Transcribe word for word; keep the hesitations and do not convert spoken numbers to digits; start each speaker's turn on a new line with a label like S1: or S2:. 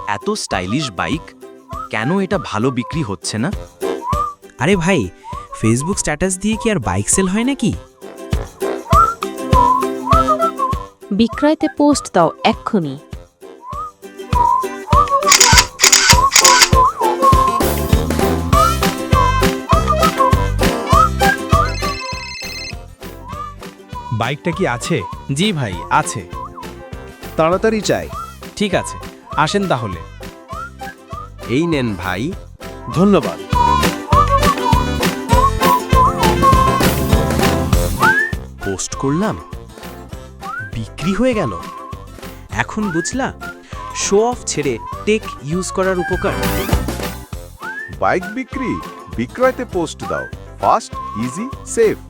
S1: এত stylish bike, কেন এটা ভালো বিক্রি হচ্ছে না?
S2: আরে ভাই, ফেসবুক স্ট্যাটাস দিয়ে কি আর বাইক সেল হয় নাকি?
S3: বিক্রয়তে পোস্ট দাও এক্ষুনি।
S4: বাইকটা কি আছে?
S5: জি ভাই, আছে।
S6: তাড়াতাড়ি চাই।
S5: ঠিক আছে, আসেন তাহলে।
S1: এই নেন ভাই।
S6: ধন্যবাদ।
S1: পোস্ট করলাম, বিক্রি হয়ে গেল।
S2: এখন বুঝলা শো অফ ছেড়ে টেক ইউজ করার উপকার।
S7: বাইক বিক্রি, বিক্রয়তে পোস্ট দাও। Fast, easy, safe.